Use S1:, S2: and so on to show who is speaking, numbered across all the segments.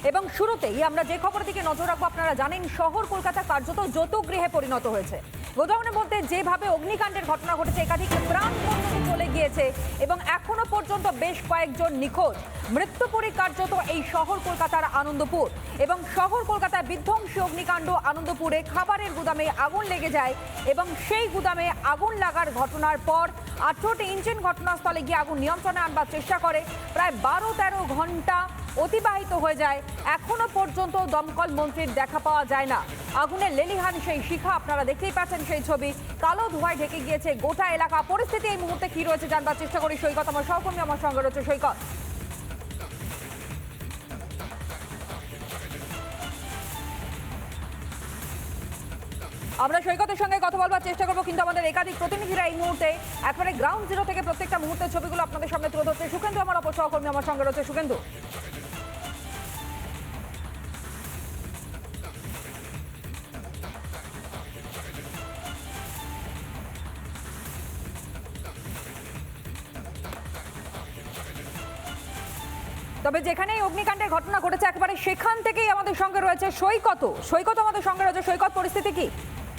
S1: এবং শুরুতেই আমরা যে খবরের দিকে নজর রাখবো, আপনারা জানেন শহর কলকাতা কার্যত যৌতুগৃহে পরিণত হয়েছে। গোডাউনের মধ্যে যেভাবে অগ্নিকাণ্ডের ঘটনা ঘটেছে, একাধিক প্রাণপণে চলে গিয়েছে এবং এখনো পর্যন্ত বেশ কয়েকজন নিখোঁজ। মৃত্যুপুরী কার্যত এই শহর কলকাতার আনন্দপুর, এবং শহর কলকাতায় বিধ্বংসী অগ্নিকাণ্ড। আনন্দপুরে খাবারের গুদামে আগুন লেগে যায় এবং সেই গুদামে আগুন লাগার ঘটনার পর 18টি ইঞ্জিন ঘটনাস্থলে গিয়ে আগুন নিয়ন্ত্রণে আনবার চেষ্টা করে। প্রায় 12-13 ঘন্টা অতিবাহিত হয়ে যায়, এখনো পর্যন্ত দমকল মন্ত্রীর দেখা পাওয়া যায় না। আগুনের লেলিহান সেই শিখা আপনারা দেখতেই পাচ্ছেন, সেই ছবি কালো ধোঁয়ায় ঢেকে গিয়েছে গোটা এলাকা। পরিস্থিতি এই মুহূর্তে কি রয়েছে জানবার চেষ্টা করি। সৈকত আমার সহকর্মী আমার সঙ্গে রয়েছে। সৈকত, আমরা সৈকতের সঙ্গে কথা বলবার চেষ্টা করবো, কিন্তু আমাদের একাধিক প্রতিনিধিরা এই মুহূর্তে একেবারে গ্রাউন্ড জিরো থেকে প্রত্যেকটা মুহূর্তের ছবিগুলো আপনাদের সামনে তুলে ধরছে। সুকেন্দু আমার অপর সহকর্মী আমার সঙ্গে রয়েছে। সুকেন্দু, তবে যেখানে এই অগ্নিকাণ্ডের ঘটনা ঘটেছে একেবারে সেখান থেকেই আমাদের সঙ্গে রয়েছে সৈকত। সৈকত আমাদের সঙ্গে রয়েছে। সৈকত, পরিস্থিতি কি?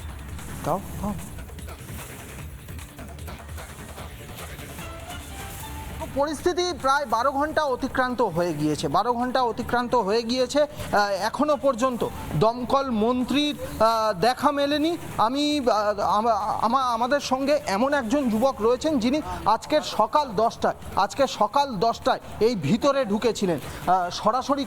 S2: পরিস্থিতি প্রায় 12 ঘন্টা অতিক্রান্ত হয়ে গিয়েছে। 12 ঘন্টা অতিক্রান্ত হয়ে গিয়েছে, এখনো পর্যন্ত দমকল মন্ত্রীর দেখা মেলেনি। আমাদের সঙ্গে এমন একজন যুবক রয়েছেন যিনি আজকের সকাল 10টায় এই ভিতরে ঢুকেছিলেন। সরাসরি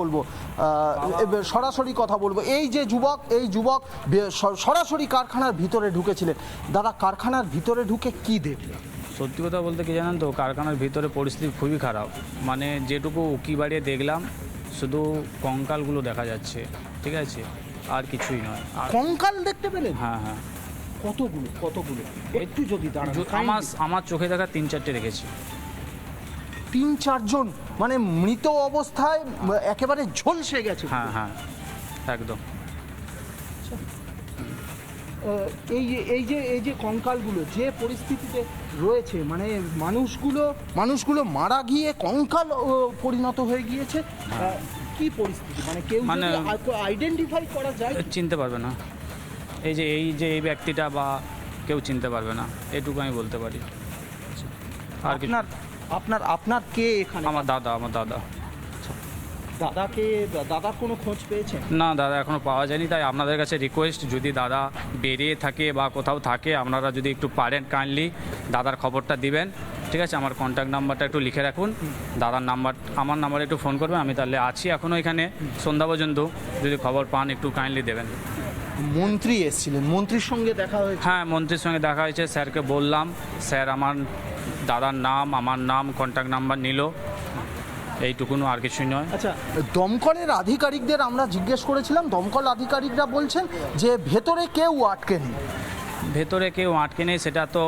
S2: কথা বলবো। এই যুবক সরাসরি কারখানার ভিতরে ঢুকেছিলেন। দাদা, কারখানার ভিতরে ঢুকে কি দেখলেন?
S3: সত্যি কথা বলতে কি জানেন তো, কারখানার ভিতরে পরিস্থিতি খুবই খারাপ। মানে যেটুকু উকি বাড়িয়ে দেখলাম, শুধু কঙ্কালগুলো দেখা যাচ্ছে, ঠিক আছে, আর কিছুই নয়।
S2: কঙ্কাল দেখতে পেলেন?
S3: হ্যাঁ হ্যাঁ।
S2: কতগুলো একটু যদি
S3: আমার চোখে দেখা 3-4টে দেখেছি।
S2: 3-4 জন মানে মৃত অবস্থায় একেবারে ঝলসে গেছে।
S3: হ্যাঁ হ্যাঁ, একদম।
S2: এই যে কঙ্কালগুলো যে পরিস্থিতিতে রয়েছে, মানে মানুষগুলো মারা গিয়ে কঙ্কাল পরিণত হয়ে গিয়েছে। কি পরিস্থিতি, মানে কেউ আইডেন্টিফাই করা যায়?
S3: চিনতে পারবে না। এই ব্যক্তিটা বা কেউ চিনতে পারবে না, এটুকু আমি বলতে পারি। আর কি?
S2: আপনার কে এখানে?
S3: আমার দাদা।
S2: দাদার কোনো খোঁজ পেয়েছেন?
S3: না দাদা, এখনও পাওয়া যায়নি। তাই আপনাদের কাছে রিকোয়েস্ট, যদি দাদা বেরিয়ে থাকে বা কোথাও থাকে, আপনারা যদি একটু পারেন কাইন্ডলি দাদার খবরটা দিবেন, ঠিক আছে? আমার কন্ট্যাক্ট নাম্বারটা একটু লিখে রাখুন। আমার নাম্বারে একটু ফোন করবেন। আমি তাহলে আছি এখনও এখানে সন্ধ্যা পর্যন্ত। যদি খবর পান একটু কাইন্ডলি দেবেন।
S2: মন্ত্রী এসেছিলেন, মন্ত্রীর সঙ্গে দেখা হয়েছে?
S3: হ্যাঁ, মন্ত্রীর সঙ্গে দেখা হয়েছে। স্যারকে বললাম, স্যার আমার দাদার নাম, আমার নাম, কন্ট্যাক্ট নাম্বার নিল, এইটুকুনো, আর কিছুই নয়।
S2: আচ্ছা, দমকলের আধিকারিকদের আমরা জিজ্ঞেস করেছিলাম। দমকল আধিকারিকরা বলছেন যে ভেতরে কেউ আটকে নেই।
S3: সেটা তো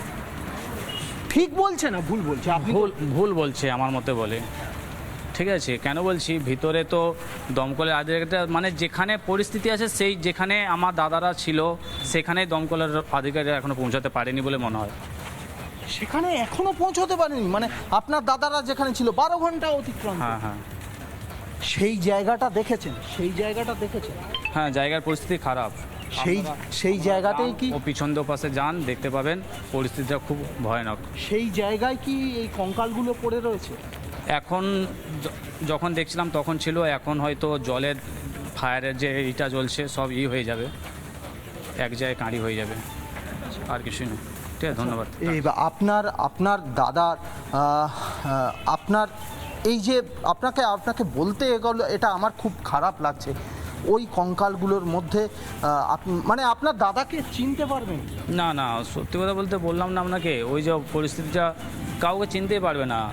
S2: ঠিক বলছে না ভুল বলছে?
S3: ভুল বলছে আমার মতে বলে। ঠিক আছে, কেন বলছি, ভিতরে তো দমকলের আধিকারিকরা, মানে যেখানে পরিস্থিতি আছে, যেখানে আমার দাদারা ছিল সেখানেই দমকলের আধিকারিকরা এখনো পৌঁছাতে পারেনি বলে মনে হয়।
S2: সেখানে এখনো পৌঁছতে পারেনি? মানে আপনার দাদারা যেখানে ছিল 12 ঘন্টা অতিক্রান্ত।
S3: হ্যাঁ হ্যাঁ।
S2: সেই জায়গাটা দেখেছেন?
S3: হ্যাঁ, জায়গার পরিস্থিতি খারাপ।
S2: সেই জায়গাতেই কি
S3: ও পিছন পাশে যান, দেখতে পাবেন পরিস্থিতিটা খুব ভয়ানক।
S2: সেই জায়গায় কি এই কঙ্কালগুলো পড়ে রয়েছে?
S3: এখন যখন দেখছিলাম তখন ছিল, এখন হয়তো জলের ফায়ারের যে এইটা জ্বলছে সব হয়ে যাবে, এক জায়গায় কাঁড়ি হয়ে যাবে, আর কিছুই না। ঠিক আছে, ধন্যবাদ।
S2: আপনার দাদার আপনার এই যে আপনাকে বলতে এগুলো, এটা আমার খুব খারাপ লাগছে। ওই কঙ্কালগুলোর মধ্যে মানে আপনার দাদাকে চিনতে পারবেন?
S3: না, সত্যি কথা বলতে বললাম না আপনাকে, ওই যে পরিস্থিতিটা কাউকে চিনতেই পারবে না,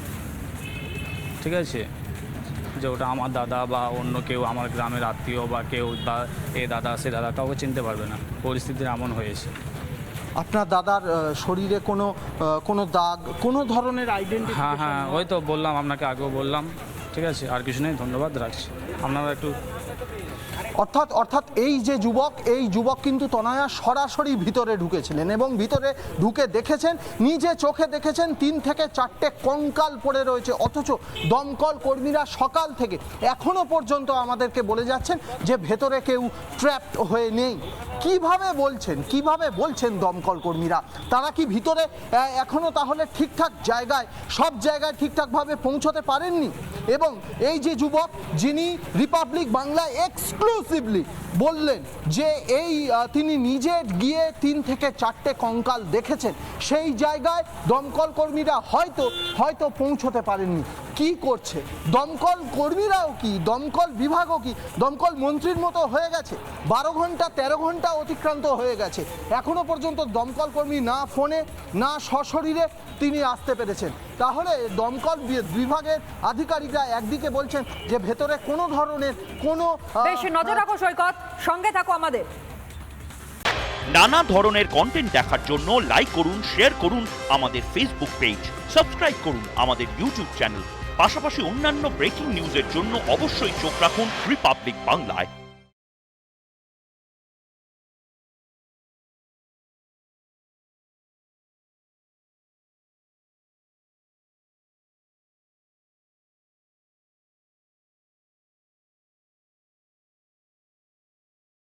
S3: ঠিক আছে? যে ওটা আমার দাদা বা অন্য কেউ, আমার গ্রামের আত্মীয় বা কেউ, বা এ দাদা সে দাদা, কাউকে চিনতে পারবে না। পরিস্থিতি এমন হয়েছে।
S2: আপনার দাদার শরীরে কোনো দাগ, কোনো ধরনের আইডেন্টিটি?
S3: হ্যাঁ, ওই তো বললাম আপনাকে, আগেও বললাম, ঠিক আছে, আর কিছু নেই, ধন্যবাদ, রাখছি। আপনারা একটু
S2: অর্থাৎ এই যে যুবক কিন্তু তনয়া সরাসরি ভিতরে ঢুকেছিলেন এবং ভিতরে ঢুকে দেখেছেন, নিজে চোখে দেখেছেন 3 থেকে 4টে কঙ্কাল পড়ে রয়েছে, অথচ দমকল কর্মীরা সকাল থেকে এখনো পর্যন্ত আমাদেরকে বলে যাচ্ছেন যে ভেতরে কেউ ট্র্যাপড হয়ে নেই। কিভাবে বলছেন দমকল কর্মীরা? তারা কি ভিতরে এখনো তাহলে ঠিকঠাক সব জায়গায় ঠিকঠাকভাবে পৌঁছতে পারেননি? এবং এই যে যুবক যিনি রিপাবলিক বাংলায় এক্সক্লুসিভলি বললেন যে তিনি নিজে গিয়ে 3 থেকে 4টে কঙ্কাল দেখেছেন, সেই জায়গায় দমকল কর্মীরা হয়তো পৌঁছতে পারেননি। কি করছে দমকল কর্মীরাও? কি দমকল বিভাগও? কি দমকল মন্ত্রীর মতো হয়ে গেছে? 12 ঘন্টা 13 ঘন্টা অতিক্রান্ত হয়ে গেছে, এখনো পর্যন্ত দমকল কর্মী না ফোনে না সশরীরে তিনি আসতে পেরেছেন। তাহলে দমকল বিভাগের আধিকারিকরা একদিকে বলছেন যে ভেতরে কোনো ধরনের
S1: বেশ নজর রাখো সৈকত, সঙ্গে থাকো আমাদের।
S4: নানা ধরনের কন্টেন্ট দেখার জন্য লাইক করুন, শেয়ার করুন আমাদের ফেসবুক পেজ, সাবস্ক্রাইব করুন আমাদের ইউটিউব চ্যানেল। পাশাপাশি অন্যান্য ব্রেকিং নিউজের জন্য অবশ্যই চোখ রাখুন রিপাবলিক বাংলায়।